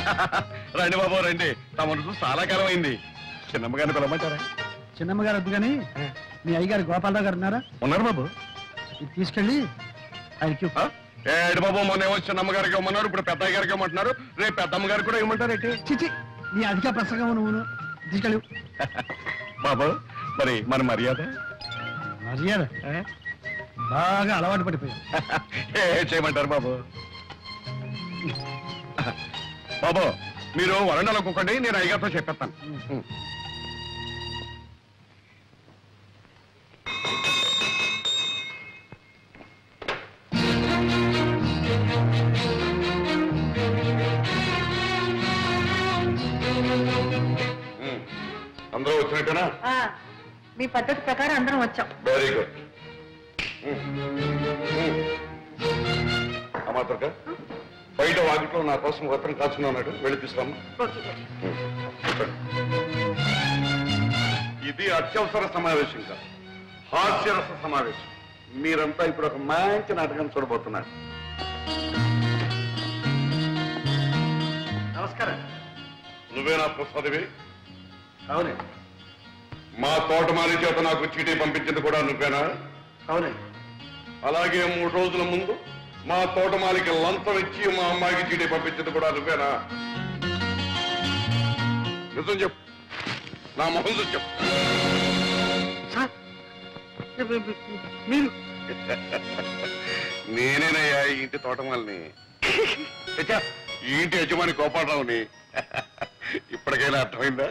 రండి బాబు రండి, తమను చూసి చాలా కాలం అయింది. చిన్నమ్మగారిని పిలవమంటారా? చిన్నమ్మగారు వద్దు కానీ మీ అయ్యగారు గోపాలరావు గారు ఉన్నారా? ఉన్నారు బాబు. ఇది తీసుకెళ్ళి ఆయనకి ఏడు బాబు, మొన్నేమో చిన్నమ్మగారికి ఇవ్వమన్నారు, ఇప్పుడు పెద్ద గారికి ఇవ్వమంటున్నారు, రేపు పెద్దమ్మ గారికి కూడా ఇవ్వమంటారేంటి? చిచి నీ అధిక ప్రసంగం నువ్వు తీసుకెళ్ళి. బాబు మరి మన మర్యాద మర్యాద బాగా అలవాటు పడిపోయావు. చేయమంటారు బాబు? బాబు మీరు వరండాలో కూకండి, నేను అయ్యగారితో చెప్పేస్తాను. అందరూ వచ్చినట్టేనా? మీ పద్ధతి ప్రకారం అందరం వచ్చాం. Very good. అమ్మాతక బయట వాకిట్లో నా కోసం ఉత్తరం కాచుకుని ఉన్నాడు, వెళ్ళి తీసుకురమ్మా. ఇది అత్యవసర సమావేశం కాదు, హాస్యరస సమావేశం. మీరంతా ఇప్పుడు ఒక మంచి నాటకం చూడబోతున్నారు. నమస్కారం. నువ్వేనా ప్రసాదివి? అవునండి. మా తోటమాలి చేత నాకు చీటీ పంపించింది కూడా నువ్వేనా? అవునండి. అలాగే 3 రోజుల ముందు మా తోటమాలికి లంచం ఇచ్చి మా అమ్మాయికి చీటీ పంపించింది కూడా నువ్వేనా? నిజం చెప్పు, నా మొహం చెప్పు. మీరు నేనేనయ్యా ఈ ఇంటి తోటమాలిని, ఈ ఇంటి యజమాని గోపాలరావుని. ఇప్పటికైనా అర్థమైందా?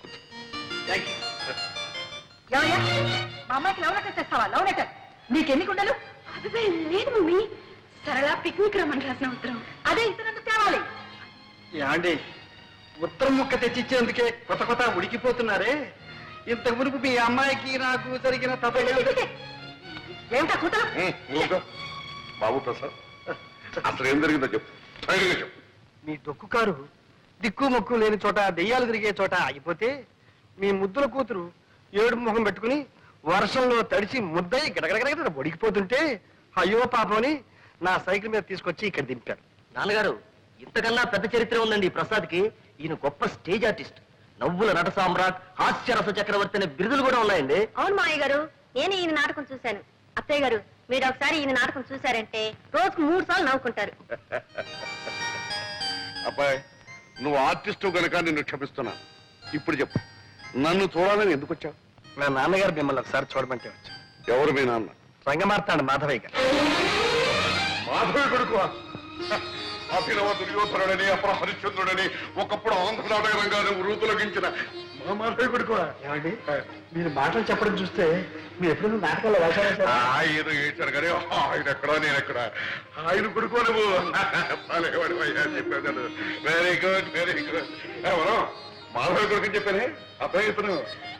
మా అమ్మాయికి లవ్ లెటర్ తెస్తావా? లవ్ లెటర్ నీకెన్ని కుండలు? అదే లేదు మమ్మీ, సరళ పిక్నిక్ రమ్మని రాసిన ఉత్తరం. అదే ఇతరులకు తేవాలి. యాండి ఉత్తరం ముక్క తెచ్చిచ్చేందుకే కొత్త ఉడికిపోతున్నారే. ఇంతకు మునుపు మీ అమ్మాయికి నాకు జరిగిన ఏమిటా కూతురు? బాబు ప్రసాద్, అసలు ఏం జరిగిందో చెప్పు, చెప్పు. మీ డొక్కు కారు దిక్కు మొక్కు లేని చోట, దెయ్యాలు తిరిగే చోట ఆగిపోతే మీ ముద్దుల కూతురు ఏడుపు ముఖం పెట్టుకుని వర్షంలో తడిచి ముద్దయి గడగడగడ ఒడికిపోతుంటే అయ్యో పాపని నా సైకిల్ మీద తీసుకొచ్చి ఇక్కడ దింపారు. నాన్నగారు, ఇంతకన్నా పెద్ద చరిత్ర ఉందండి ప్రసాద్కి. ఈయన గొప్ప స్టేజ్ ఆర్టిస్ట్, నవ్వుల నట సామ్రాట్, హాస్యరస చక్రవర్తి అనే బిరుదులు కూడా ఉన్నాయండి. అవును మావయ్య గారు, నేను ఈయన నాటకం చూశాను. అత్తయ్య గారు, మీరు ఒకసారి ఈయన నాటకం చూశారంటే రోజుకు 3 సార్లు నవ్వుకుంటారు. అబ్బాయి, నువ్వు ఆర్టిస్టు కనుక నిన్ను క్షమిస్తున్నా. ఇప్పుడు చెప్పు, నన్ను చూడాలని ఎందుకు వచ్చావు? నా నాన్నగారు మిమ్మల్ని ఒకసారి చూడమంటే వచ్చా. ఎవరు మీ నాన్న? రంగమార్తాడు మాధవయ్య గారు. మాధవి కొడుకు అభినవ దుర్యోధనుడని, అపర హరిశ్చంద్రుడని, ఒకప్పుడు ఆంధ్ర నాటక రంగాన్ని వృతులగించిన మా మాధవి కొడుకు. ఏమండి, మీరు మాటలు చెప్పడం చూస్తే మీరు ఎప్పుడు నాటకాల్లో వేశారు. ఆయన ఏడ్చాడు కానీ ఆయన ఎక్కడా నేను ఎక్కడ. ఆయన కొడుకు నువ్వు చెప్పావు కదా. Very good, very good. ఎవరో మాధవి కొడుకు అని చెప్పానే, అబ్బాయి ఇతను.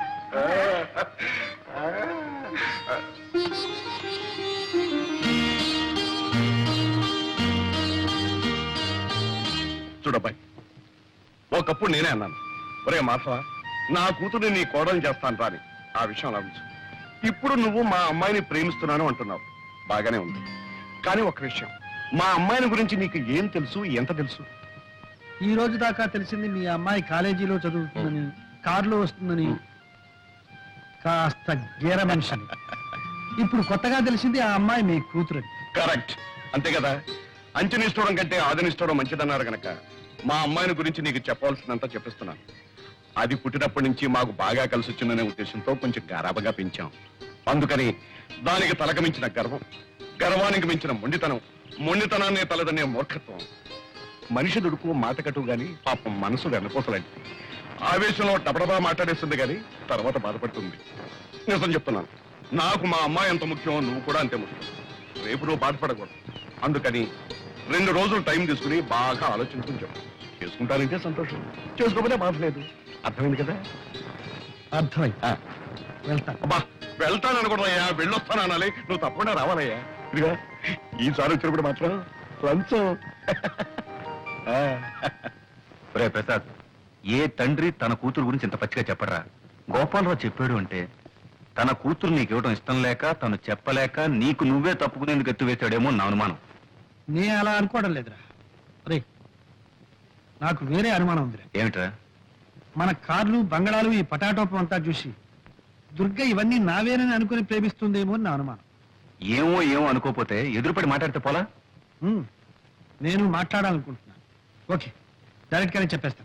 చూడబ్బాయి, ఒకప్పుడు నేనే అన్నాను, ఒరే మాధవ, నా కూతురు నీ కోడలు చేస్తాను రాని. ఆ విషయం లభించు. ఇప్పుడు నువ్వు మా అమ్మాయిని ప్రేమిస్తున్నాను అంటున్నావు, బాగానే ఉంది. కానీ ఒక విషయం, మా అమ్మాయిని గురించి నీకు ఏం తెలుసు, ఎంత తెలుసు? ఈ రోజు దాకా తెలిసింది మీ అమ్మాయి కాలేజీలో చదువుతుందని, కారులో వస్తుందని, కాస్త గేర మనిషిని. ఇప్పుడు కొత్తగా తెలిసింది ఆ అమ్మాయి మీ కూతురు. కరెక్ట్, అంతే కదా. అంచనిస్తూడం కంటే ఆదనిస్తూడం మంచిదన్నారు గనక మా అమ్మాయిని గురించి నీకు చెప్పవలసినంత చెప్పిస్తున్నాను. అది పుట్టినప్పటి నుంచి మాకు బాగా కలిసి వచ్చిందనే ఉద్దేశంతో కొంచెం గారాబగా పెంచాం. అందుకని దానికి తలకు మించిన గర్వం, గర్వానికి మించిన మొండితనం, మొండితనాన్ని తలదనే మూర్ఖత్వం. మనిషి దుడుకు మాటకట్టు గాని పాపం మనసు వెనపోసలాంటి. ఆవేశంలో టపడబా మాట్లాడేస్తుంది కానీ తర్వాత బాధపడుతుంది. నిజం చెప్తున్నాను, నాకు మా అమ్మాయి ఎంత ముఖ్యం, నువ్వు కూడా అంతే ముఖ్యం. రేపు నువ్వు బాధపడకూడదు. అందుకని 2 రోజులు టైం తీసుకుని బాగా ఆలోచించుకుని చెప్పు. చేసుకుంటానంటే సంతోషం, చేసుకోకపోతే బాధ లేదు. అర్థమైంది కదా? అర్థమైంది. వెళ్తా. అబ్బా, వెళ్తాననుకోవయ్యా, వెళ్ళొస్తాను అనాలి. నువ్వు తప్పకుండా రావాలయ్యా. ఇదిగా ఈసారి వచ్చినప్పుడు మాత్రం లంచం. రే ప్రసాద్, ఏ తండ్రి తన కూతురు గురించి ఇంత పచ్చిగా చెప్పరా? గోపాలరావు చెప్పాడు అంటే తన కూతురు నీకు ఇవ్వడం ఇష్టం లేక, తను చెప్పలేక నీకు నువ్వే తప్పుకునేందుకు ఎత్తువేశాడేమో నా అనుమానం. నే అలా అనుకోవడం లేదురా. రే, నాకు వేరే అనుమానం ఉంది. ఏమిట్రా? మన కార్లు బంగళాలు ఈ పటాటోపం అంతా చూసి దుర్గ ఇవన్నీ నావేనని అనుకుని ప్రేమిస్తుందేమో అని నా అనుమానం. ఏమో ఏమో అనుకోపోతే ఎదురుపడి మాట్లాడితే పోలా? నేను మాట్లాడాలనుకుంటున్నాను. ఓకే, డైరెక్ట్ గానే చెప్పేస్తాను.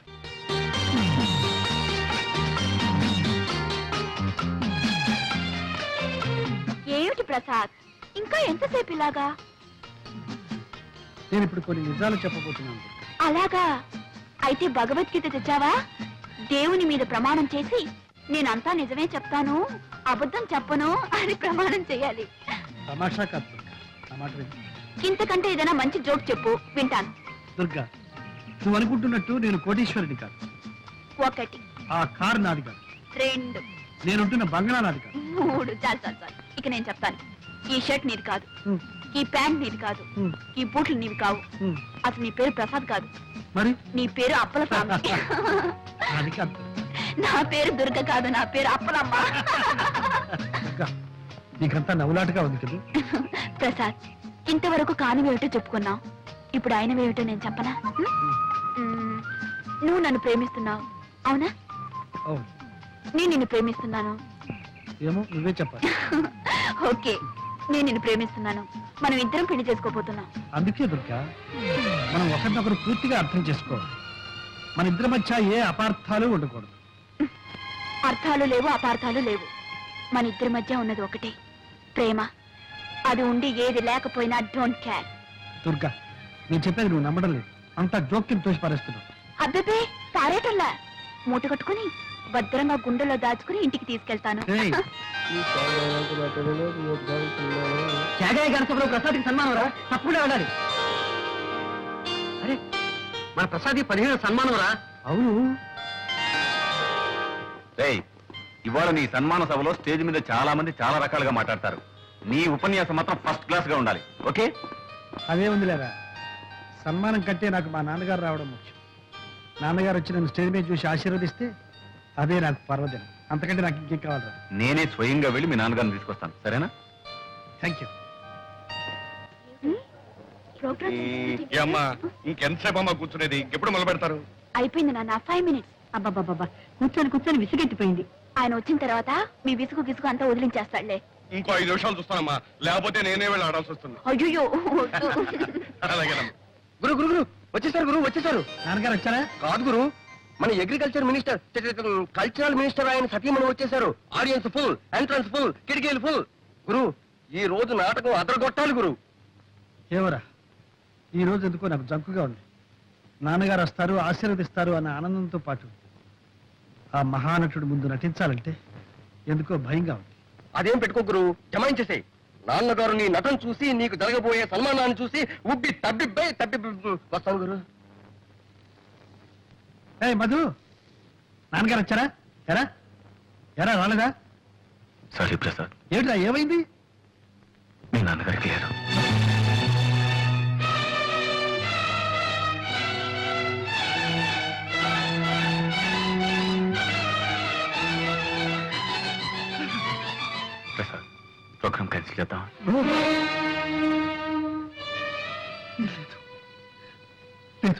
ఏమిటి ప్రసాద్, ఇంకా ఎంతసేపు ఇలాగా? నేను ఇప్పుడు కొన్ని నిజాలు చెప్పబోతున్నాను. అలాగా? అయితే భగవద్గీత తెచ్చావా? దేవుని మీద ప్రమాణం చేసి నేనంతా నిజమే చెప్తాను, అబద్ధం చెప్పను అని ప్రమాణం చేయాలి. తమాషా కాదు దుర్గా, నా మాట విను. ఇంతకంటే ఏదైనా మంచి జోక్ చెప్పు, వింటాను. దుర్గా, నువ్వు అనుకుంటున్నట్టు నేను కోటీశ్వరుడి కాదు. 1 ఆ కారు నాది కాదు. 2 నేనుంటున్న బంగళా నాది కాదు. 3 చాలు చాలు చాలు. ఇక నేను చెప్తాను. ఈ షర్ట్ నీది కాదు, హ్మ్, ఈ ప్యాంట్ నీది కాదు, హ్మ్, ఈ బూట్లు నీవి కావు. హ్మ్. అసలు నీ పేరు ప్రసాద్ కాదు, మరి నీ పేరు అప్పల స్వామి. అది కాదు నా పేరు దుర్గ కాదు, నా పేరు అప్పలమ్మ. దుర్గా, నీకంతా నవ్వులాటగా ఉంది కదా. ప్రసాద్, ఇంతవరకు కానివేమిటో చెప్పుకున్నావు, ఇప్పుడు ఆయనవేమిటో నేను చెప్పనా? మ్మ్. నువ్వు నన్ను ప్రేమిస్తున్నావు, అవునా? అవును, నేను నిన్ను ప్రేమిస్తున్నాను. ఏమో నువ్వే చెప్పాలి. ఓకే, నేను నిన్ను ప్రేమిస్తున్నాను. మనం ఇద్దరం పెళ్లి చేసుకోబోతున్నాం. అందుకే దుర్గా, మనం ఒకరినొకరు పూర్తిగా అర్థం చేసుకోవాలి. మన ఇద్దరి మధ్య ఏ అపార్థాలు ఉండకూడదు. అర్థాలు లేవు, అపార్థాలు లేవు. మన ఇద్దరి మధ్య ఉన్నది ఒకటే, ప్రేమ. అది ఉండి ఏది లేకపోయినా డోంట్ కేర్. దుర్గా, నేను చెప్పేది నువ్వు నమ్మడం లేదు. అంత జోక్యం తోసి పారేస్తున్నావు. అబ్బే పారేటల్లా, మూట కట్టుకుని భద్రంగా గుండెలో దాచుకుని ఇంటికి తీసుకెళ్తాను. ఏయ్, త్యాగయ్య గణసభలో ప్రసాద్కి సన్మానం రా, తప్పకుండా వెళ్ళాలి. అరే, మన ప్రసాద్ 15 సన్మానం రా. అవును, రేయ్, ఇవాళ నీ సన్మాన సభలో స్టేజ్ మీద చాలా మంది చాలా రకాలుగా మాట్లాడతారు. నీ ఉపన్యాసం మాత్రం ఫస్ట్ క్లాస్ గా ఉండాలి. ఓకే? అదే ఉందిలేరా. సన్మానం కంటే నాకు మా నాన్నగారు రావడం ముఖ్యం. నాన్నగారు వచ్చి నన్ను స్టేజ్ మీద చూసి ఆశీర్వదిస్తే అదే నాకు పర్వదినం. అంతకంటే నాకు ఇంకేం కావాలి. నేనే స్వయంగా వెళ్ళి మీ నాన్నగారిని తీసుకొస్తాను, సరేనా? Thank you. అమ్మా, ఇంకెంతసేపు అమ్మా కూర్చునేది? ఇంకెప్పుడు మొదలు పెడతారు? అయిపోయింది నాన్న, 5 minutes. అబ్బాబాబా, కూర్చొని కూర్చొని విసిగెత్తిపోయింది. ఆయన వచ్చిన తర్వాత మీ విసుగు గిసుగు అంతా వదిలించేస్తాడులే. ఇంకో 5 నిమిషాలు చూస్తానమ్మా, లేకపోతే నేనే వెళ్ళి ఆడాల్సి వస్తుంది. అయ్యో, అలాగేనమ్మా. గురు గురు గురు వచ్చేసారు, గురు వచ్చేసారు. నాన్నగారు వచ్చారా? కాదు గురు, మన అగ్రికల్చర్ మినిస్టర్, కల్చరల్ మినిస్టర్ ఆయన సతీమణి వచ్చేసారు. ఆడియన్స్ ఫుల్, ఎంట్రన్స్ ఫుల్, కిటికీలు ఫుల్. గురు, ఈ రోజు నాటకం అదరగొట్టాలి గురు. ఏవరా, ఈ రోజు ఎందుకో నాకు జంకుగా ఉంది. నాన్నగారు వస్తారు, ఆశీర్వదిస్తారు అన్న ఆనందంతో పాటు ఆ మహానటుడు ముందు నటించాలంటే ఎందుకో భయంగా ఉంది. అదేం పెట్టుకో గురు, జమాయించేసే. నాన్నగారు నీ నటన చూసి, నీకు జరగబోయే సన్మానాన్ని చూసి ఉబ్బి తబ్బిబ్బై వస్తాను గురు. ఏయ్ మధు, నాన్నగారు వచ్చారా? ఎరా ఎరా రాలేదా? సారీ ప్రసాద్, ఏమిటా, ఏమైంది? మీ నాన్నగారికి లేదు. ప్రసాద్, ప్రోగ్రామ్ క్యాన్సిల్ చేద్దాం. లేదు లేదు,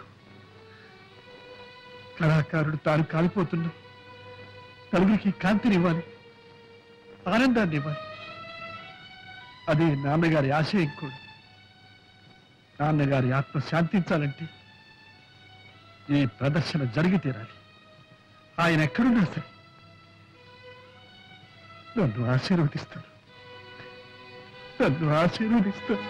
కళాకారుడు తాను కాలిపోతున్నా నలుగురికి కాంతినివ్వాలి, ఆనందాన్ని ఇవ్వాలి. అదే నాన్నగారి ఆశయం కూడా. నాన్నగారి ఆత్మ శాంతించాలంటే ఈ ప్రదర్శన జరిగి తీరాలి. ఆయన ఎక్కడున్నా సరే నన్ను ఆశీర్వదిస్తాడు, నన్ను ఆశీర్వదిస్తాడు.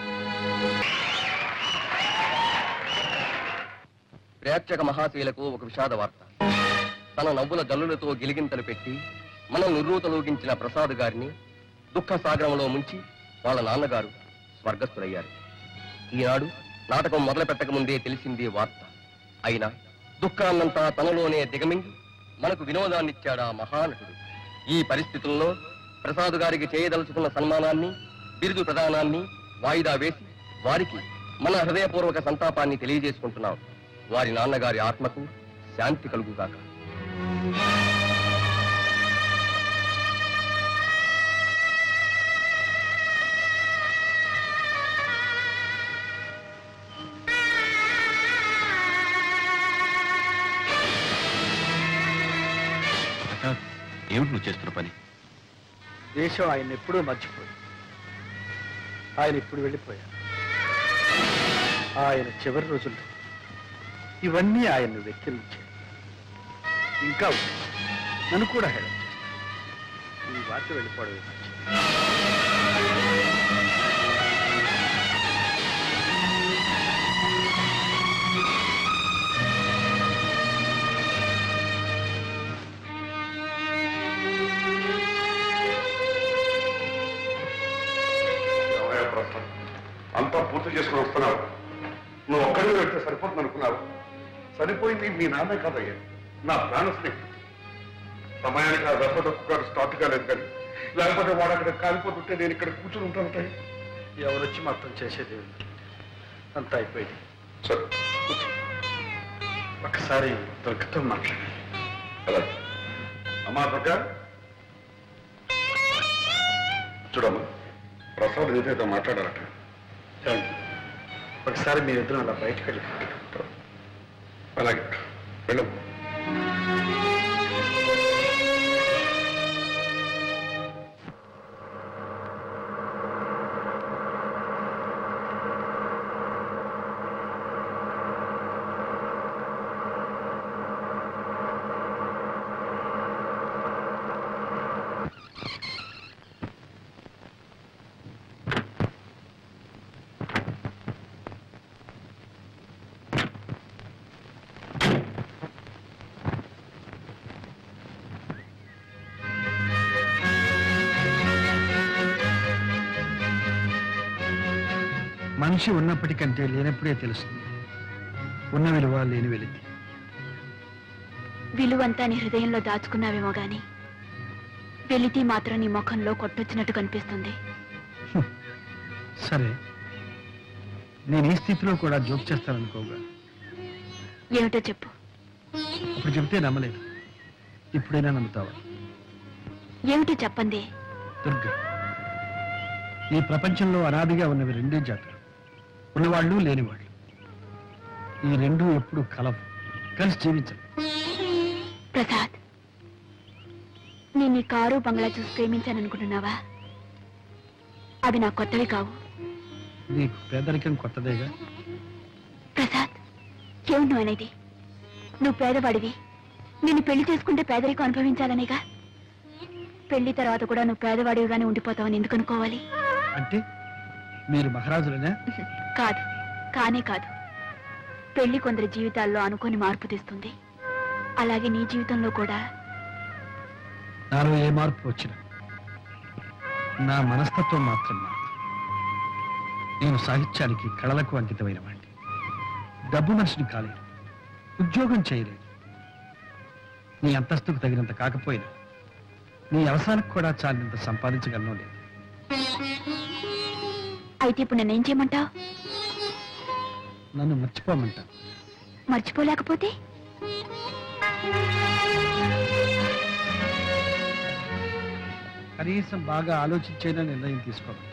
ప్రేక్షక మహాశీలకు ఒక విషాద వార్త. తన నవ్వుల జల్లులతో గిలిగింతలు పెట్టి మనం నిర్రూతలోగించిన ప్రసాద్ గారిని దుఃఖ సాగరంలో ముంచి వాళ్ళ నాన్నగారు స్వర్గస్థులయ్యారు. ఈనాడు నాటకం మొదలు పెట్టక ముందే తెలిసింది వార్త. అయినా దుఃఖాన్నంతా తనలోనే దిగమింగి మనకు వినోదాన్నిచ్చాడా మహానటుడు. ఈ పరిస్థితుల్లో ప్రసాద్ గారికి చేయదలుచుకున్న సన్మానాన్ని, బిరుదు ప్రదానాన్ని వాయిదా వేసి వారికి మన హృదయపూర్వక సంతాపాన్ని తెలియజేసుకుంటున్నాం. వారి నాన్నగారి ఆత్మకు శాంతి కలుగుగాక. ఏమిటి నువ్వు చేస్తున్న పని? దేశం ఆయన ఎప్పుడూ మర్చిపోయింది. ఆయన ఇప్పుడు వెళ్ళిపోయారు. ఆయన చివరి రోజుల్లో ఇవన్నీ ఆయన్ను వెక్కిరించాయి. ఇంకా ఉన్నాయి. నన్ను కూడా హేళన చేస్తాను. ఈ వార్త వెళ్ళిపోవడమే మంచిది. అంతా పూర్తి చేసుకుని వస్తున్నావు. నువ్వు ఒక్కడిని వెళ్తే సరిపోతుంది అనుకున్నావు. సరిపోయింది మీ నాన్నే కాదయ్యా, నా ప్రాణ స్నేహితుడు. సమయానికి ఆ దెబ్బకు గారు స్టార్ట్ కాలేదు కానీ లేకపోతే వాడు అక్కడ కాలిపోతుంటే నేను ఇక్కడ కూర్చుని ఉంటాను. ఎవరొచ్చి మొత్తం చేసేది అంతా అయిపోయింది. సరే ఒకసారి దుర్గతో మాట్లాడాలి. అలా అమ్మా దుర్గా, చూడమ్మా, ప్రసాద్ ఏదైతే మాట్లాడారట. రండి. ఒకసారి మీరిద్దరం అలా బయటకు వెళ్ళి అలాగే వెళ్ళము. మనిషి ఉన్నప్పటికంటే లేనప్పుడే తెలుస్తుంది ఉన్న విలువ లేని వెలితి. విలువంతా నీ హృదయంలో దాచుకున్నావేమో గాని వెలితి మాత్రం నీ ముఖంలో కొట్టొచ్చినట్టు కనిపిస్తుంది. సరే, నేను ఈ స్థితిలో కూడా జోక్ చేస్తాననుకోగా. ఏమిటో చెప్పు. అప్పుడు చెప్తే నమ్మలేదు, ఇప్పుడైనా నమ్ముతావా? ఏమిటో చెప్పండి. దుర్గా, ఈ ప్రపంచంలో అనాదిగా ఉన్నవి రెండే జాతులు, ఉన్నవాళ్ళు లేనివాళ్ళు. ఈ రెండూ ఎప్పుడు కలవు, కలిసి జీవించరు. ప్రసాద్, నేను ఈ కారు బంగ్లా చూసి ప్రేమించాననుకుంటున్నావా? అవి నా కొత్తవి కావు. నీకు పేదరికం కొత్తదేగా. ప్రసాద్, ఏమిటి నువ్వు అనేది? నువ్వు పేదవాడివి, నిన్ను పెళ్లి చేసుకుంటే పేదరికం అనుభవించాలనేగా. పెళ్లి తర్వాత కూడా నువ్వు పేదవాడివిగానే ఉండిపోతావని ఎందుకు అనుకోవాలి? అంటే మీరు మహారాజులనే? కాదు, కానే కాదు. పెళ్లి కొందరి జీవితాల్లో అనుకోని మార్పు తెస్తుంది. అలాగే నీ జీవితంలో కూడా. నాలో ఏ మార్పు వచ్చినా నా మనస్తత్వం మాత్రం మారదు. నేను సాహిత్యానికి, కళలకు అంకితమైన వాడిని. డబ్బు మనిషిని కాలేదు, ఉద్యోగం చేయలేదు. నీ అంతస్తుకు తగినంత కాకపోయినా నీ అవసరానికి కూడా చాలినంత సంపాదించగలను లేదు. అయితే ఇప్పుడు నన్నేం చేయమంటావు? నన్ను మర్చిపోమంటా. మర్చిపోలేకపోతే? కనీసం బాగా ఆలోచించైనా నిర్ణయం తీసుకోమంటా.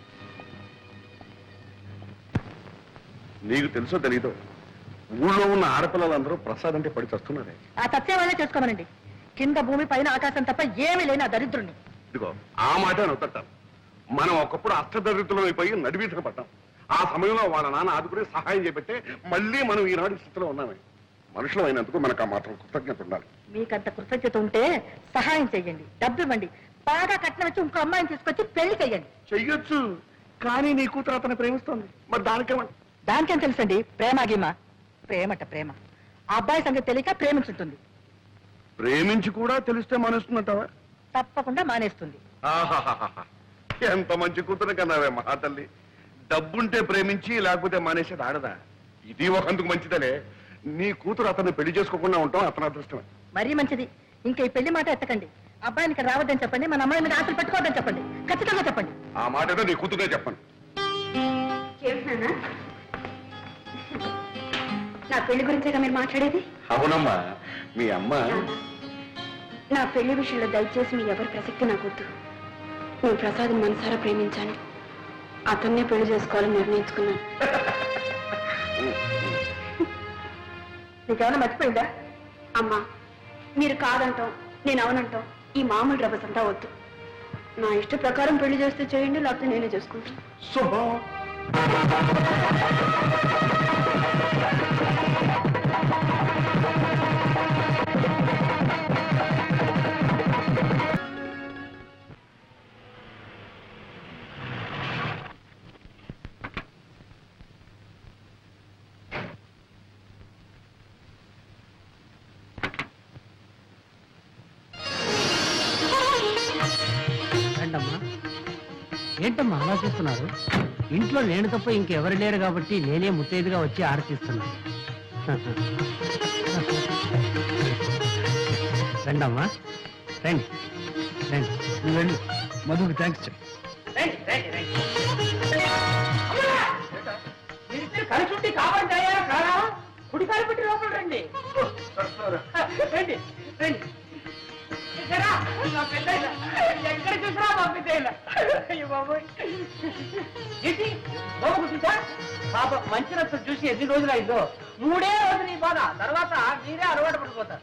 నీకు తెలుసో తెలీదో, ఊళ్ళో ఉన్న ఆడపిల్లలందరూ ప్రసాద్ అంటే పడి చస్తున్నారే. ఆ సత్యం వల్లే చేసుకోమనండి. కింద భూమి పైన ఆకాశం తప్ప ఏమీ లేని ఆ దరిద్రుణ్ణి. ఇదిగో ఆ మాట నవ్వుతాం. మనం ఒకప్పుడు అష్టదరిద్రులం అయిపోయి నడివీధన పడ్డాం. ఆ సమయంలో వాళ్ళ నాన్న ఆదుకుని సహాయం చేపట్టే మళ్ళీ మనం ఈనాడు స్థితిలో ఉన్నామే. మనుషులు అయినందుకు మనకు ఆ మాత్రం కృతజ్ఞత ఉండాలి. మీకంత కృతజ్ఞత ఉంటే సహాయం చెయ్యండి, డబ్బు ఇవ్వండి, బాగా కట్నం వచ్చి ఇంకో అమ్మాయిని తీసుకొచ్చి పెళ్లి చెయ్యండి. చెయ్యొచ్చు, కానీ నీ కూతురు అతను ప్రేమిస్తోంది. మరి దానికేమంట? దానికేం తెలుసండి? ప్రేమ గీమ. ప్రేమట ప్రేమ. ఆ అబ్బాయి సంగతి తెలియక ప్రేమించుంటుంది. ప్రేమించి కూడా తెలిస్తే మానేస్తుందంటావా? తప్పకుండా మానేస్తుంది. ఆహాహాహా, ఎంత మంచి కూతురు కన్నావే మహా తల్లి. డబ్బుంటే ప్రేమించి లేకపోతే మానేసేది ఆడదా? ఇది ఒకందుకు మంచిదలే. నీ కూతురు అతన్ని పెళ్లి చేసుకోకుండా ఉంటాం అతని అదృష్టమే. మరీ మంచిది. ఇంకా ఈ పెళ్లి మాట ఎత్తకండి. అబ్బాయిని ఇక్కడ రావద్దని చెప్పండి, మన అమ్మాయి మీద ఆశలు పెట్టుకోవద్దని చెప్పండి. ఖచ్చితంగా చెప్పండి. ఆ మాట ఏదో నీ కూతురే చెప్పండి. నా పెళ్లి గురించేగా మీరు మాట్లాడేది? అవునమ్మా, మీ అమ్మ. నా పెళ్లి విషయంలో దయచేసి మీ ఎవరి ప్రసక్తి నాకొద్దు. నేను ప్రసాద్ని మనసారా ప్రేమించాను. అతన్నే పెళ్లి చేసుకోవాలని నిర్ణయించుకున్నాను. నీకేమైనా మర్చిపోయిందా? అమ్మా, మీరు కాదంటాం, నేను అవునంటాం ఈ మామూలు రభస అంతా వద్దు. నా ఇష్ట ప్రకారం పెళ్లి చేస్తే చేయండి, లేకపోతే నేనే చేసుకుంటాను. శుభం. రండమ్మా. ఏంటమ్మా అలా చూస్తున్నారు? ఇంట్లో నేను తప్ప ఇంకెవరు లేరు కాబట్టి నేనే ముత్తైదుగా వచ్చి ఆరతిస్తున్నాను. రండమ్మా, రండి రండి. నువ్వు వెళ్ళు, మధుకి థ్యాంక్స్ చెప్పు. కలిసి కాబట్టి అయ్యారా కారా? కుడి కాలు పెట్టి లోపల రండి. రండి రండి. ఎక్కడ చూసినా పంపితేలా చూసా పాప మంచి రక్తం చూసి ఎన్ని రోజులు అయిందో. 3 రోజులు ఈ బాధ, తర్వాత మీరే అలవాటు పడిపోతారు.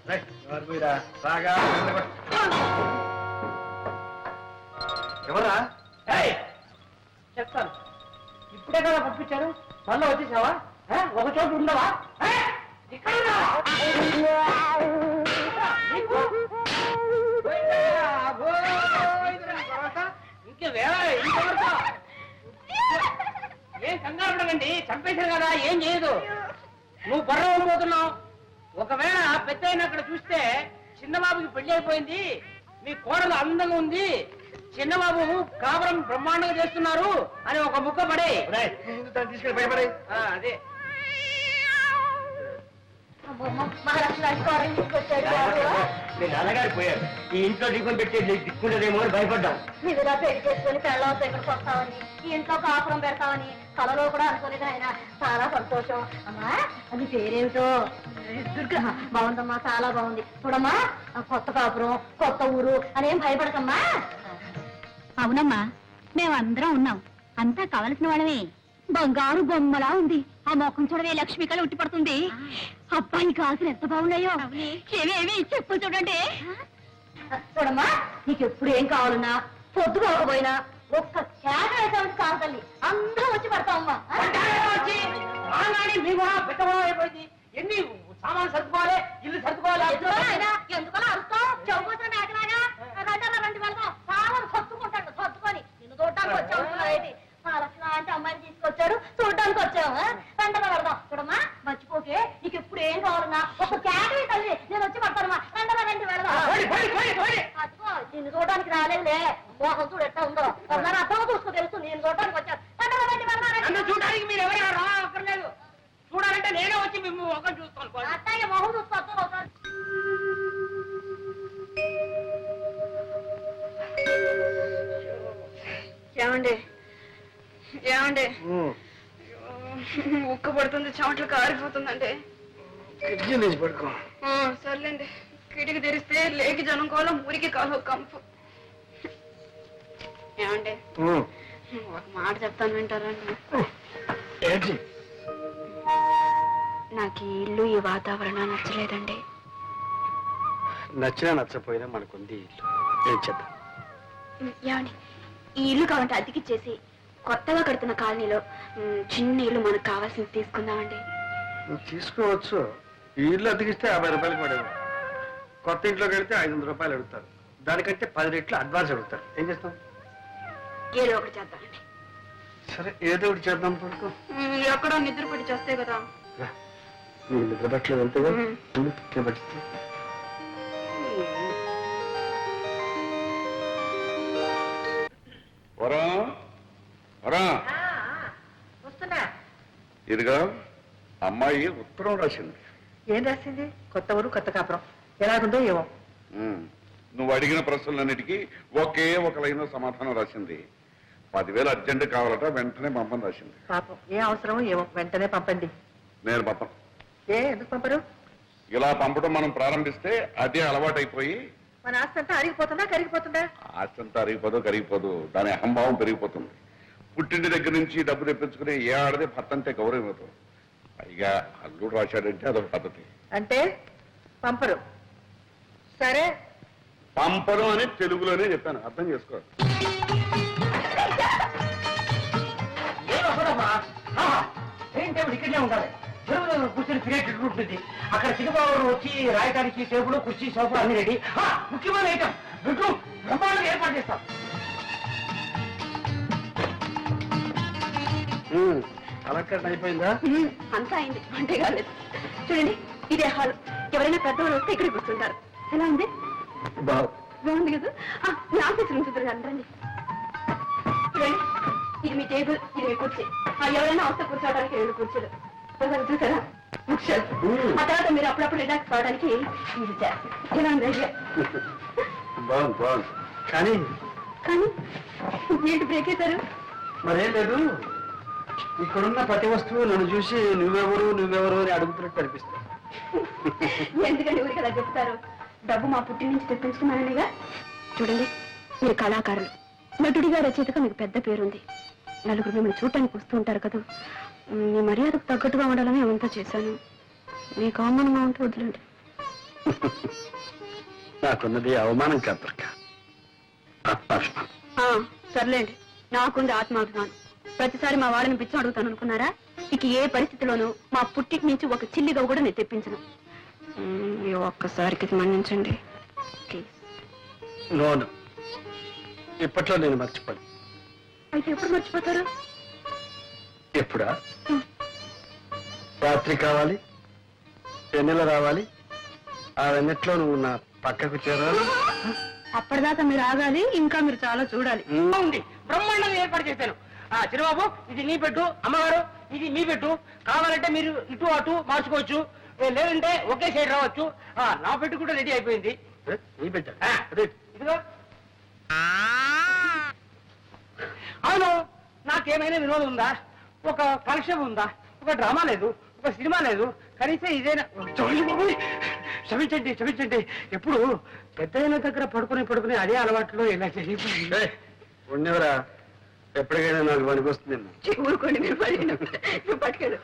ఎవరా? చెప్తాను. ఇప్పుడే కదా పంపించారు, మళ్ళీ వచ్చేసావా? ఒక చోటు ఉండవా? ఇక్కడ ఏం కంగారు ఉండకండి, చంపేశారు కదా, ఏం చేయదు. నువ్వు బర్ర పోతున్నావు. ఒకవేళ పెద్ద అక్కడ చూస్తే చిన్నబాబుకి పెళ్లి అయిపోయింది, మీ కోడలు అందంగా ఉంది, చిన్నబాబు కాపురం బ్రహ్మాండంగా చేస్తున్నారు అని ఒక ముక్క పడే తీసుకెళ్ళి భయపడే. అదే మీ నాన్నగారు పోయారు, ఈ ఇంట్లో దిక్కుని పెట్టి దిక్కుంటదేమో అని భయపడ్డాం. మీరుగా పెళ్లి చేసుకుని పెళ్ళవతో ఇక్కడికి వస్తామని, ఈ ఇంట్లో కాపురం పెడతామని కలలో కూడా అనుకోలేదు ఆయన. చాలా సంతోషం. అమ్మా అది పేరేమిటో? దుర్గా. బాగుందమ్మా, చాలా బాగుంది. చూడమ్మా, కొత్త కాపురం, కొత్త ఊరు అనేం భయపడకమ్మా. అవునమ్మా, మేమందరం ఉన్నాం, అంతా కావలసిన వాళ్ళమే. బంగారు బొమ్మలా ఉంది. ఆ మొఖం చూడవే, లక్ష్మి కళ ఉట్టి పడుతుంది. అబ్బాయి కాసులు ఎంత బాగున్నాయో. ఏమేమి చెప్పు చూడండి. చూడమ్మా, నీకు ఎప్పుడు ఏం కావాలన్నా పొద్దు కాకపోయినా ఒక్క చేట వేసామంటే కాదు తల్లి, అందరం వచ్చి పడతామమ్మా. అయిపోయింది. ఎన్ని సామాన్లు సర్దుకోవాలి, ఇల్లు సర్దుకోవాలి. ఎందుకలా అరుస్తావు? చెవుకోసం మేకలాగా రండి వెళ్దాం. సామాను సర్దుకుంటాడు, సర్దుకొని నిన్ను చూడటానికి వచ్చావు. లాంటి అమ్మాయిని తీసుకొచ్చాడు, చూడడానికి వచ్చాము. వెంటనే పెడదాం. చూడమ్మా, మర్చిపోకే, నీకు ఎప్పుడు ఏం కావాలన్నా ఒక క్యాటరీ తల్లి, నేను వచ్చి పడతానమ్మా. వెంటనే రండి వెళ్దాం. అదిగో నిన్ను చూడడానికి రాలేదులే, మోహం చూడు ఎట్టా ఉందో. ఒకసారి అర్థం చూసుకో, తెలుసు నేను చూడడానికి వచ్చాను. వెంటనే రండి వెళ్దాం. చూడడానికి మీరు ఎవరైనా రా అక్కర్లేదు, చూడాలంటే నేనే వచ్చి మేము ఒక చూసుకోవాలి. అత్తయ్య మొహం చూసుకోవచ్చు ఒకసారి. ఏమండి ఏమండి, ఉక్క పడుతుంది, చెమటలు కారిపోతుందండి. కిటికీ తీసి పడుకో. సర్లేండి, కిటికీ తెరిస్తే లేకి జనం కోలం, ఊరికి కాలు కంపు. ఏమండి, ఒక మాట చెప్తాను, వింటారండి? ఏంటి? నాకు ఈ ఇల్లు, ఈ వాతావరణం నచ్చలేదండి. నచ్చినా నచ్చపోయినా మనకుంది ఇల్లు, ఏం చేద్దాం? ఏమండి, ఈ ఇల్లు కావాలంటే అద్దెకిచ్చేసి కొత్తగా కడుతున్న కాలనీలో చిన్న ఇల్లు మనకు కావాల్సింది తీసుకుందామండి. నువ్వు తీసుకోవచ్చు. ఈ ఇల్లు అతికిస్తే 50 రూపాయలు పడేది. కొత్త ఇంట్లోకి వెళ్తే 500 రూపాయలు అడుగుతారు. దానికంటే 10 రెట్లు అడ్వాన్స్ అడుగుతారు. ఏం చేస్తాం? ఏదో ఒకటి చేద్దామండి. సరే, ఏదో ఒకటి చేద్దాం. పడుకో. ఎక్కడో నిద్ర పడి చేస్తే కదా. నీకు నిద్ర పట్టలేదు అంతేగా? నేను పట్టిస్తా. వస్తున్నా. ఇదిగా అమ్మాయి ఉత్తరం రాసింది. ఏం రాసింది? కొత్త ఊరు, కొత్త కాపురం ఎలాగుందో ఏమో. నువ్వు అడిగిన ప్రశ్నలన్నిటికీ ఒకే ఒక లైన్ సమాధానం రాసింది. 10,000 అర్జెంట్ కావాలట, వెంటనే పంపని రాసింది. పాపం, ఏ అవసరమో ఏమో, వెంటనే పంపండి. నేను పంపను. ఎందుకు పంపరు? ఇలా పంపడం మనం ప్రారంభిస్తే అదే అలవాటైపోయి మన ఆస్తి అంతా అరిగిపోతుందా, కరిగిపోతుందా? ఆస్తి అంతా అరిగిపోదు, కరిగిపోదు, దాని అహంభావం పెరిగిపోతుంది. పుట్టింటి దగ్గర నుంచి డబ్బు తెప్పించుకుని ఏ ఆడదే భర్త అంటే గౌరవం ఇవ్వదు. పైగా అల్లుడు రాశాడంటే అదొక పద్ధతి. అంటే పంపరు. సరే, పంపడం అని తెలుగులోనే చెప్పాను, అర్థం చేసుకో. ఇక్కడే ఉండాలి. చెరువులో కూర్చొని తినేటట్టు ఉంటుంది. అక్కడ సినిమాలు వచ్చి రాయడానికి టేబుల్ కుర్చీ సోఫా అన్ని రెడీ. ముఖ్యమైన ఐటమ్ బెడ్రూమ్ బ్రహ్మాండంగా ఏర్పాటు చేస్తాం. అలంకరణ అయిపోయిందా? అంతా అయింది, అంటే కాలేదు. చూడండి, ఇదే హాల్. ఎవరైనా పెద్దవాళ్ళు వస్తే ఇక్కడ కూర్చుంటారు. ఎలా ఉంది? బాగుంది కదా. మీ ఆఫీస్ రూమ్ చూద్దరు రండి. చూడండి, ఇది మీ టేబుల్, ఇది మీ కుర్చీ. ఎవరైనా వస్తే కూర్చోవడానికి 2 కుర్చీలు చూసారా? ఆ తర్వాత మీరు అప్పుడప్పుడు రిలాక్స్ కావడానికి ఇది ఎలా ఉంది? బాగుంది బాగుంది. కానీ కానీ ఏంటి బ్రేక్ అవుతారు? మరేం లేదు, ఇక్కడున్న ప్రతి వస్తువు నన్ను చూసి నువ్వెవరు నువ్వెవరు అని అడుగుతున్నట్టు అనిపిస్తుంది. ఎందుకంటే ఊరికి అలా చెప్తారు? డబ్బు మా పుట్టి నుంచి తెప్పించుకున్నాననిగా. చూడండి, మీరు కళాకారులు, నటుడిగా రచయితగా మీకు పెద్ద పేరుంది. నలుగురు మిమ్మల్ని చూడటానికి వస్తూ ఉంటారు కదా. మీ మర్యాదకు తగ్గట్టుగా ఉండాలని అవంతా చేశాను. మీకు అవమానంగా ఉంటే వదిలేండి. నాకున్నది అవమానం కాదు దుర్గ, ఆత్మాభిమానం. సర్లేండి, నాకుంది ఆత్మాభిమానం. ప్రతిసారి మా వాళ్ళని పిచ్చం అడుగుతాను అనుకున్నారా? ఇక ఏ పరిస్థితిలోనూ మా పుట్టికి నుంచి ఒక చిల్లిగా కూడా నేను తెప్పించను. ఈ ఒక్కసారికి మన్నించండి ప్లీజ్. నోను, ఇప్పట్లో నేను మర్చిపోను. అయితే ఎప్పుడు మర్చిపోతారు? ఎప్పుడా? రాత్రి కావాలి, వెన్నెల రావాలి, ఆ వెన్నెట్లో నువ్వు నా పక్కకు చేరాలి. అప్పటిదాకా మీరు ఆగాలి, ఇంకా మీరు చాలా చూడాలి. ఉంది, బ్రహ్మాండంగా ఏర్పాటు చేశాను. చిరుబాబు, ఇది నీ పెట్టు. అమ్మగారు, ఇది మీ పెట్టు. కావాలంటే మీరు ఇటు అటు మార్చుకోవచ్చు, లేదంటే ఒకే సైడ్ రావచ్చు. నా పెట్టు కూడా రెడీ అయిపోయింది. నీ పెట్టా? ఇదిగో. అవును, నాకేమైనా వినోదం ఉందా? ఒక కాలక్షేపం ఉందా? ఒక డ్రామా లేదు, ఒక సినిమా లేదు, కనీసం ఇదేనా? క్షమించండి క్షమించండి. ఎప్పుడు పెద్దయిన దగ్గర పడుకుని అదే అలవాట్లో ఇలా చేసి ఉండేవరా, ఎప్పటికైనా నాకు పనికొస్తుంది. ఊరుకోండి, మీరు పట్టుకెళ్ళు.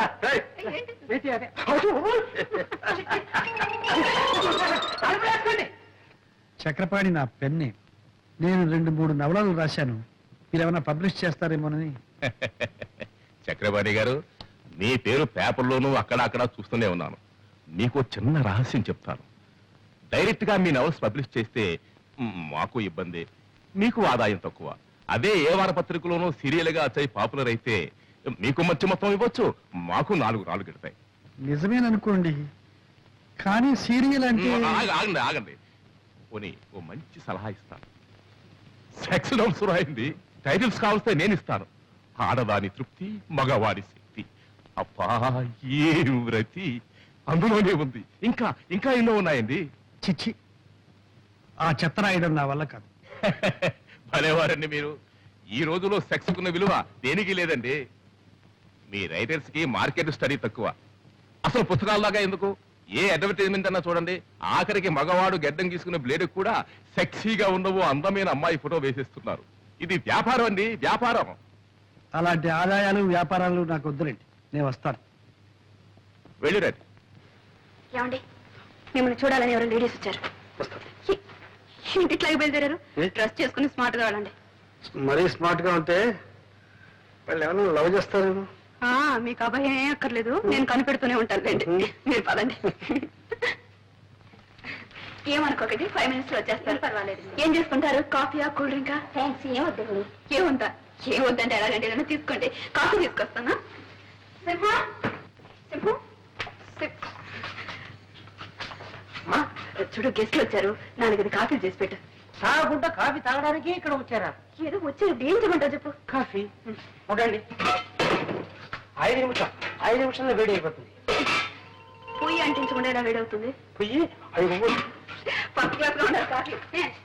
చక్రపాణి నా పెన్ని. నేను 2-3 నవలలు రాశాను, మీరేమైనా పబ్లిష్ చేస్తారేమోనని. చక్రపాణి గారు, మీ పేరు పేపర్లోనూ అక్కడ చూస్తూనే ఉన్నాను. మీకు చిన్న రహస్యం చెప్తాను. డైరెక్ట్ గా మీ నవల్స్ పబ్లిష్ చేస్తే మాకు ఇబ్బంది, మీకు ఆదాయం తక్కువ. అదే ఏ వారపత్రికలోనూ సీరియల్ గా వచ్చి పాపులర్ అయితే మీకు మంచి మొత్తం ఇవ్వచ్చు, మాకు 4 రాళ్ళు గిడతాయి. నిజమేననుకోండి, కానీ సీరియల్ అంటే ఆగండి. పోనీ ఓ మంచి సలహా ఇస్తాను. సెక్స్ నోట్స్ రాయింది, టైటిల్స్ కావస్తే నేను ఇస్తాను. ఆడదాని తృప్తి, మగవాడి శక్తి. అబ్బా, ఏ వ్రతి అందులోనే ఉంది. ఇంకా ఎన్నో ఉన్నాయండి. చిచ్చి, ఆ చెత్త రాయడం నా వల్ల కాదు. భలేవారండి మీరు. ఈ రోజులో సెక్స్ కున్న విలువ దేనికి లేదండి. మీ రైటర్స్ కి మార్కెట్ స్టడీ తక్కువ. అసలు పుస్తకాల్లాగా ఎందుకు, ఏ అడ్వర్టైజ్మెంట్ అన్నా చూడండి, ఆఖరికి మగవాడు గెడ్డం గీసుకునే బ్లేడ్ కూడా సెక్సీగా ఉండవు అందమైన అమ్మాయి ఫోటో వేసేస్తున్నారు. ఇది వ్యాపారం అండి, వ్యాపారం. అలాంటి ఆదాయాలు వ్యాపారాలు నాకు వద్దులేండి, నేను వస్తాను. వెళ్ళిరండి. ఏమండి, మిమ్మల్ని చూడాలని ఎవరు లేడీస్ వచ్చారు. ఇంటిట్లాగే బయలుదేరారు. డ్రెస్ చేసుకుని స్మార్ట్ గా వెళ్ళండి. మరీ స్మార్ట్ గా ఉంటే వాళ్ళు ఏమైనా లవ్ చేస్తారేమో. మీకు అభయం ఏం అక్కర్లేదు, నేను కనిపెడుతూనే ఉంటాను లేండి. మీరు పదండి. ఏమనుకోకండి, 5 minutes లో వచ్చేస్తారు. పర్వాలేదు. ఏం చేసుకుంటారు? కాఫీయా, కూల్ డ్రింకా? థ్యాంక్స్, ఏమొద్దు. ఏమొద్దంటే ఎలాగంటే ఏదైనా తీసుకోండి. కాఫీ తీసుకొస్తానా? చూడు, గెస్ట్లు వచ్చారు, 4 కాఫీ చేసి పెట్టు. తాగకుండా కాఫీ తాగడానికి ఇక్కడ వచ్చారా? ఏదో వచ్చారు, ఏం చేయమంటావు చెప్పు. కాఫీ ఉండండి. 5 నిమిషాల్లో వేడి అయిపోతుంది. పొయ్యి అంటించకుండా ఎలా వేడవుతుంది? పొయ్యి 5 ఫస్ట్ క్లాస్ లో ఉండాలి కాఫీ.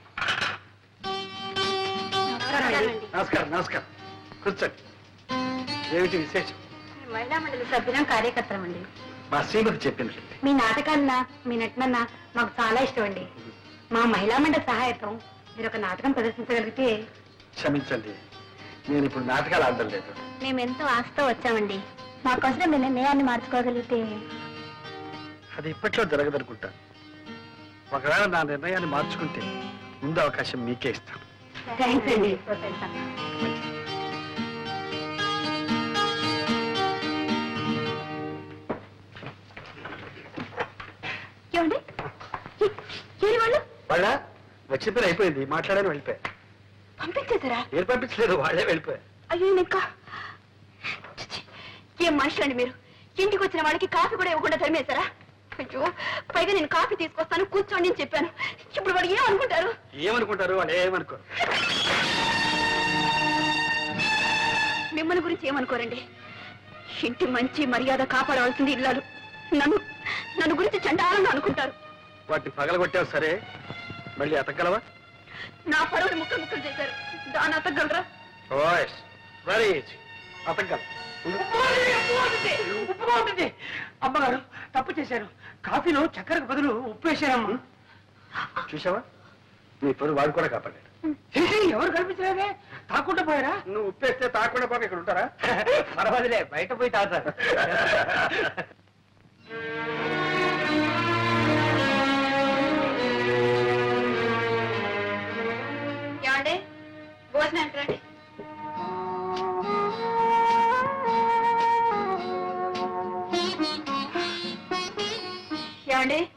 నమస్కారం. కూర్చోండి. ఏమిటి విశేషం? మహిళా మండలి సభ్యులం, కార్యకర్తలం అండి. మా శ్రీమతి చెప్పింది. మీ నాటకాలన్నా మీ నటనన్నా మాకు చాలా ఇష్టం అండి. మా మహిళా మండలి సహాయతం మీరు ఒక నాటకం ప్రదర్శించగలిగితే. క్షమించండి, నేను ఇప్పుడు నాటకాలు ఆడడం లేదు. మేమెంతో ఆశతో వచ్చామండి. మాకోసం మీ నిర్ణయాన్ని మార్చుకోగలిగితే. అది ఇప్పట్లో జరగదనుకుంటా. ఒకవేళ నా నిర్ణయాన్ని మార్చుకుంటే ముందు అవకాశం మీకే ఇస్తాను. థ్యాంక్స్ అండి. ఏమండి ఏరి వాళ్ళు వాళ్ళ వచ్చిన పని అయిపోయింది, మాట్లాడని వెళ్ళిపోయారు. పంపించేశారా? ఏం పంపించలేదు, వాళ్ళే వెళ్ళిపోయారు. అయ్యో ఇంకా ఏం మనుషులండి మీరు? ఇంటికి వచ్చిన వాళ్ళకి కాఫీ కూడా ఇవ్వకుండా తరిమేశారా? అయ్యో, పైగా నేను కాఫీ తీసుకొస్తాను కూర్చోండి అని చెప్పాను. ఇప్పుడు వాడు ఏమనుకుంటారు? ఏమనుకుంటారు? వాళ్ళు ఏమనుకోరు. మిమ్మల్ని గురించి ఏమనుకోరండి. ఇంటి మంచి మర్యాద కాపాడవలసింది ఇల్లాలు. నన్ను గురించి చండాలంగా అనుకుంటారు. వాటిని పగలగొట్టావు సరే, మళ్ళీ అతగలవా? నా పరువుని ముక్కలు ముక్కలు చేశారు, దాన్ని అతగలరా? ఓయ్ వెరీ ఈజీ, అతగలం. ఉప్పుగా ఉంటుంది. అమ్మగారు తప్పు చేశారు. కాఫీలో చక్కెరకు బదులు ఉప్పు వేశారమ్మా. చూసావా, నీ పరువు వాడు కూడా కాపాడాడు. ఎవరు కనిపించలేదే, తాకుండా పోయారా? నువ్వు ఉప్పేస్తే తాకుండా పోక ఇక్కడ ఉంటారా? పర్వాలేదే, బయట పోయి తాగుతారు. ఏమండి భోజనం రండి. ఏమండి